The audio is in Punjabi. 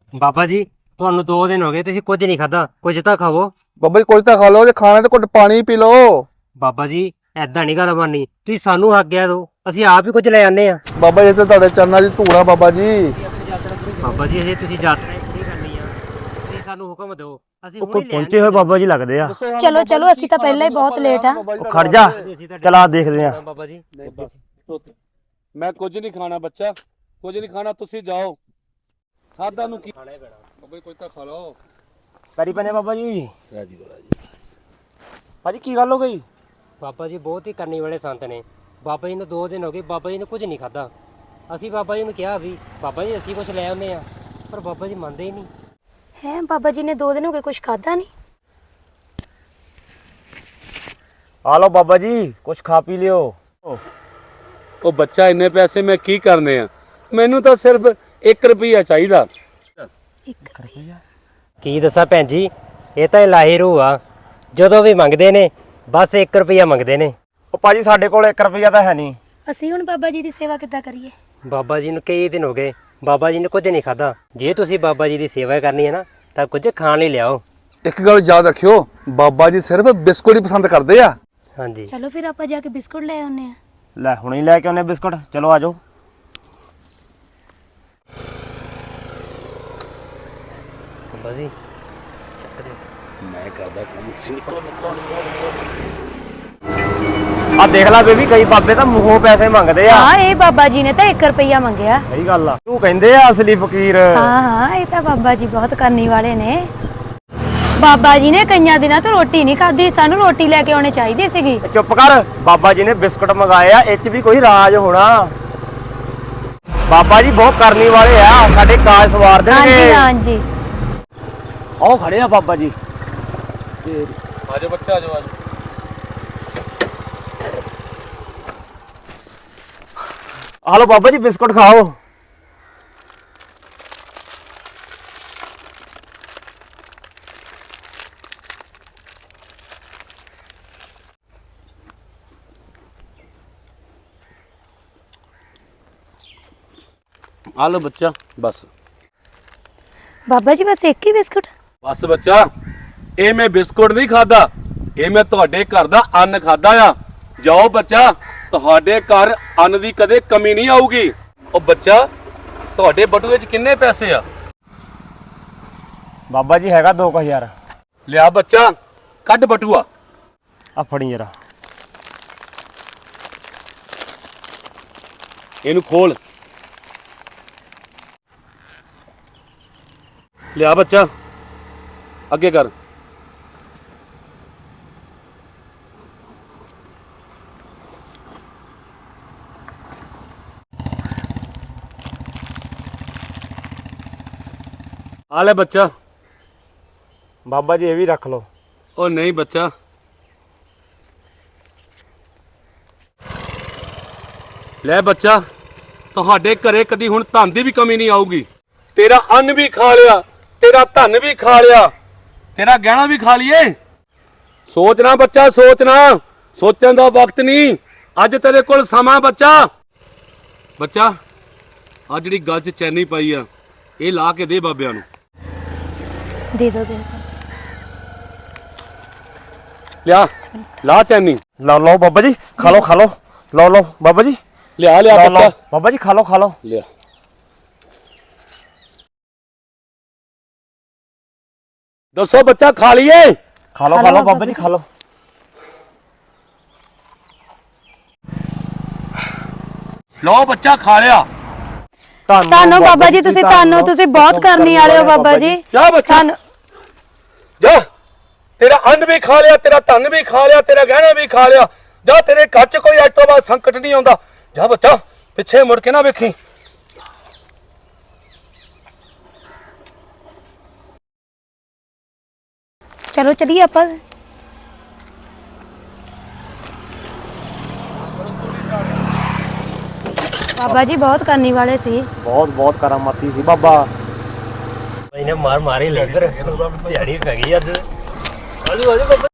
ਬਾਬਾ ਜੀ ਤੁਹਾਨੂੰ 2 ਦਿਨ ਹੋ ਗਏ ਤੁਸੀਂ ਕੁਝ ਨਹੀਂ ਖਾਦਾ, ਕੁਝ ਤਾਂ ਖਾਵੋ। ਬਾਬਾ ਜੀ ਕੁਝ ਤਾਂ ਖਾ ਲਓ, ਜੇ ਖਾਣਾ ਤਾਂ ਘੁੱਟ ਪਾਣੀ ਪੀ ਲਓ। ਬਾਬਾ ਜੀ ਐਦਾਂ ਨਹੀਂ ਗੱਲ ਬਣਨੀ, ਤੁਸੀਂ ਸਾਨੂੰ ਆਗਿਆ ਦਿਓ, ਅਸੀਂ ਆਪ ਹੀ ਕੁਝ ਲੈ ਆਨੇ ਆ। ਬਾਬਾ ਜੀ ਤੇ ਤੁਹਾਡੇ ਚਰਨਾਂ ਦੀ ਧੂੜ ਆ ਬਾਬਾ ਜੀ। ਬਾਬਾ ਜੀ ਤੁਸੀਂ ਯਾਤਰਾ ਨਹੀਂ ਕਰਨੀ ਆ, ਤੁਸੀਂ ਸਾਨੂੰ ਹੁਕਮ ਦਿਓ, ਅਸੀਂ ਹੁਣੇ ਲੈ ਪਹੁੰਚੇ ਹੋਏ ਬਾਬਾ ਜੀ ਲੱਗਦੇ ਆ। ਚਲੋ ਚਲੋ ਅਸੀਂ ਤਾਂ ਪਹਿਲਾਂ ਹੀ ਬਹੁਤ ਲੇਟ ਆ। ਖੜ ਜਾ, ਚਲਾ ਦੇਖਦੇ ਆ। ਬਾਬਾ ਜੀ ਮੈਂ ਕੁਝ ਨਹੀਂ ਖਾਣਾ ਬੱਚਾ, ਕੁਝ ਨਹੀਂ ਖਾਣਾ, ਤੁਸੀਂ ਜਾਓ। ਖਾਦਾ ਨੂੰ ਕੀ ਖਾਣਾ ਹੈ ਬਾਬਾ ਜੀ, ਕੁਝ ਤਾਂ ਖਾ ਲਓ। ਪੈਰੀ ਪੈਨੇ ਬਾਬਾ ਜੀ। ਰਾਜੀ ਭਾਜੀ ਕੀ ਗੱਲ ਹੋ ਗਈ? ਬਾਬਾ ਜੀ ਬਹੁਤ ਹੀ ਕਰਨੀ ਵਾਲੇ ਸੰਤ ਨੇ। ਬਾਬਾ ਜੀ ਨੂੰ 2 ਦਿਨ ਹੋ ਗਏ, ਬਾਬਾ ਜੀ ਨੇ ਕੁਝ ਨਹੀਂ ਖਾਦਾ। ਅਸੀਂ ਬਾਬਾ ਜੀ ਨੂੰ ਕਿਹਾ ਵੀ ਬਾਬਾ ਜੀ ਅਸੀਂ ਕੁਝ ਲੈ ਆਉਂਦੇ ਆ, ਪਰ ਬਾਬਾ ਜੀ ਮੰਨਦੇ ਹੀ ਨਹੀਂ। ਹੈ ਬਾਬਾ ਜੀ ਨੇ 2 ਦਿਨ ਹੋ ਗਏ ਕੁਝ ਖਾਦਾ ਨਹੀਂ। ਆ ਲਓ ਬਾਬਾ ਜੀ, ਕੁਝ ਖਾ ਪੀ ਲਿਓ। ਉਹ ਬੱਚਾ ਇੰਨੇ ਪੈਸੇ ਮੈਂ ਕੀ ਕਰਨੇ ਆ, ਮੈਨੂੰ ਤਾਂ ਸਿਰਫ 1 ਰੁਪਿਆ ਚਾਹੀਦਾ। 1 ਰੁਪਿਆ? ਕੀ ਦੱਸਾਂ ਭੈਣ ਜੀ, ਇਹ ਤਾਂ ਇਲਾਹੀ ਰੂਹ ਆ, ਜਦੋਂ ਵੀ ਮੰਗਦੇ ਨੇ ਬਸ 1 ਰੁਪਿਆ ਮੰਗਦੇ ਨੇ। ਉਹ ਭਾਜੀ ਸਾਡੇ ਕੋਲ 1 ਰੁਪਿਆ ਤਾਂ ਹੈ ਨਹੀਂ। ਅਸੀਂ ਹੁਣ ਬਾਬਾ ਜੀ ਦੀ ਸੇਵਾ ਕਿੱਦਾਂ ਕਰੀਏ? ਬਾਬਾ ਜੀ ਨੂੰ ਕਈ ਦਿਨ ਹੋ ਗਏ, ਬਾਬਾ ਜੀ ਨੇ ਕੁਝ ਨਹੀਂ ਖਾਦਾ। ਜੇ ਤੁਸੀਂ ਬਾਬਾ ਜੀ ਦੀ ਸੇਵਾ ਕਰਨੀ ਹੈ ਨਾ ਤਾਂ ਕੁਝ ਖਾਣ ਲਈ ਲਿਆਓ। ਇੱਕ ਗੱਲ ਯਾਦ ਰੱਖਿਓ, ਬਾਬਾ ਜੀ ਸਿਰਫ ਬਿਸਕੁਟ ਹੀ ਪਸੰਦ ਕਰਦੇ ਆ। ਹਾਂਜੀ ਚਲੋ ਫਿਰ ਆਪਾਂ ਜਾ ਕੇ ਬਿਸਕੁਟ ਲੈ ਆਉਨੇ ਆ। ਲੈ ਹੁਣੇ ਹੀ ਲੈ ਕੇ ਆਉਨੇ ਬਿਸਕੁਟ, ਚਲੋ ਆ ਜਾਓ। ਬਾਬਾ ਜੀ ਮੈਂ ਕਰਦਾ ਕੰਮ ਸੀ। ਆ ਦੇਖ ਲੈ ਬੇਬੀ, ਕਈ ਬਾਬੇ ਤਾਂ ਮੂੰਹੋਂ ਪੈਸੇ ਮੰਗਦੇ ਆ। ਹਾਂ ਇਹ ਬਾਬਾ ਜੀ ਨੇ ਤਾਂ 1 ਰੁਪਿਆ ਮੰਗਿਆ। ਸਹੀ ਗੱਲ ਆ, ਤੂੰ ਕਹਿੰਦੇ ਆ ਅਸਲੀ ਫਕੀਰ। ਹਾਂ ਹਾਂ ਇਹ ਤਾਂ ਬਾਬਾ ਜੀ ਬਹੁਤ ਕਰਨੀ ਵਾਲੇ ਨੇ। ਬਾਬਾ ਜੀ ਨੇ ਕਈਆਂ ਦਿਨਾਂ ਤੋਂ ਰੋਟੀ ਨਹੀਂ ਖਾਧੀ, ਸਾਨੂੰ ਰੋਟੀ ਲੈ ਕੇ ਆਉਣੀ ਚਾਹੀਦੀ ਸੀਗੀ। ਚੁੱਪ ਕਰ, ਬਾਬਾ ਜੀ ਨੇ ਬਿਸਕੁਟ ਮੰਗਾਏ ਆ, ਇਹ 'ਚ ਵੀ ਕੋਈ ਰਾਜ ਹੋਣਾ। ਬਾਬਾ ਜੀ ਬਹੁਤ ਕਰਨੀ ਵਾਲੇ ਆ, ਸਾਡੇ ਕਾਜ ਸਵਾਰ ਹਾਂਜੀ ਦੇਣਗੇ। ਹਾਂਜੀ ਆਓ ਖੜੇ ਆ ਬਾਬਾ ਜੀ। ਆਜੋ ਬੱਚਾ, ਆਜੋ ਆਜੋ। ਆ ਲਓ ਬਾਬਾ ਜੀ ਬਿਸਕੁਟ ਖਾਓ। ਆ ਲਓ ਬੱਚਾ, ਬਸ ਬਾਬਾ ਜੀ ਬਸ 1 ਹੀ ਬਿਸਕੁਟ? ਬਸ ਬੱਚਾ, ਇਹ ਮੈਂ ਬਿਸਕੁਟ ਨਹੀਂ ਖਾਦਾ, ਇਹ ਮੈਂ ਤੁਹਾਡੇ ਘਰ ਦਾ ਅੰਨ ਖਾਦਾ ਆ। ਜਾਓ ਬੱਚਾ, ਤੁਹਾਡੇ ਘਰ ਅੰਨ ਦੀ ਕਦੇ ਕਮੀ ਨਹੀਂ ਆਊਗੀ। ਉਹ ਬੱਚਾ, ਤੁਹਾਡੇ ਬਟੂਏ 'ਚ ਕਿੰਨੇ ਪੈਸੇ ਆ? ਬਾਬਾ ਜੀ ਹੈਗਾ 2000। ਲਿਆ ਬੱਚਾ, ਕੱਢ ਬਟੂਆ। ਆ ਫੜੀ ਜਰਾ। ਇਹਨੂੰ ਖੋਲ। ਲਿਆ ਬੱਚਾ, ਅੱਗੇ ਕਰ। ਆ ਲੈ ਬੱਚਾ। ਬਾਬਾ ਜੀ ਇਹ ਵੀ ਰੱਖ ਲਓ। ਉਹ ਨਹੀਂ ਬੱਚਾ, ਲੈ ਬੱਚਾ, ਤੁਹਾਡੇ ਘਰੇ ਕਦੀ ਹੁਣ ਧਨ ਦੀ ਵੀ ਕਮੀ ਨਹੀਂ ਆਊਗੀ। ਤੇਰਾ ਅੰਨ ਵੀ ਖਾ ਲਿਆ, ਤੇਰਾ ਧਨ ਵੀ ਖਾ ਲਿਆ, ਤੇਰਾ ਗਹਿਣਾ ਵੀ ਖਾ ਲਈਏ। ਸੋਚਣਾ ਬੱਚਾ, ਸੋਚਣਾ, ਸੋਚਣ ਦਾ ਵਕਤ ਨਹੀਂ, ਅੱਜ ਤੇਰੇ ਕੋਲ ਸਮਾਂ। ਬੱਚਾ ਬੱਚਾ ਆ ਜਿਹੜੀ ਗੱਲ 'ਚ ਚੈਨੀ ਪਾਈ ਆ, ਇਹ ਲਾ ਕੇ ਦੇ ਬਾਬਿਆਂ ਨੂੰ। ਦੇ ਦੋ ਦੇ ਦੋ। ਲਿਆ, ਲਾ ਚੈਨੀ। ਲਓ ਲਓ ਬਾਬਾ ਜੀ, ਖਾ ਲਓ ਖਾ ਲਓ। ਲਓ ਲਓ ਬਾਬਾ ਜੀ, ਲਿਆ ਲਿਆ ਲਓ ਬੱਚਾ, ਲਓ ਬਾਬਾ ਜੀ, ਖਾ ਲਓ ਖਾ ਲਓ। ਲਿਆ। ਦੱਸੋ ਬੱਚਾ, ਖਾ ਲਈਏ? ਖਾ ਲਓ ਖਾ ਲਓ ਬਾਬਾ ਜੀ, ਖਾ ਲਓ। ਲਓ ਬੱਚਾ, ਖਾ ਲਿਆ। ਤੁਹਾਨੂੰ ਬਾਬਾ ਜੀ, ਤੁਸੀਂ ਤੁਹਾਨੂੰ ਤੁਸੀਂ ਬਹੁਤ ਕਰਨੀ ਵਾਲੇ ਹੋ ਬਾਬਾ ਜੀ। ਜਾ ਬੱਚਾ, ਜਾ। ਤੇਰਾ ਅੰਨ ਵੀ ਖਾ ਲਿਆ, ਤੇਰਾ ਧਨ ਵੀ ਖਾ ਲਿਆ, ਤੇਰਾ ਗਹਿਣਾ ਵੀ ਖਾ ਲਿਆ। ਜਾ, ਤੇਰੇ ਘਰ 'ਚ ਕੋਈ ਅੱਜ ਤੋਂ ਬਾਅਦ ਸੰਕਟ ਨਹੀਂ ਆਉਂਦਾ। ਜਾ ਬੱਚਾ, ਪਿੱਛੇ ਮੁੜ ਕੇ ਨਾ ਵੇਖੀ। ਚਲੋ ਚਲੀਏ ਆਪਾਂ। ਬਾਬਾ ਜੀ ਬਹੁਤ ਕਰਨੀ ਵਾਲੇ ਸੀ। ਬਹੁਤ ਬਹੁਤ ਕਰਾਮਾਤੀ ਸੀ ਬਾਬਾ। ਇਹਨੇ ਮਾਰ ਮਾਰੀ ਲੈ ਫਿਰ ਦਿਹਾੜੀ ਪੈ ਗਈ ਅੱਜ। ਆਜੋ ਆਜੋ ਬਾਬਾ।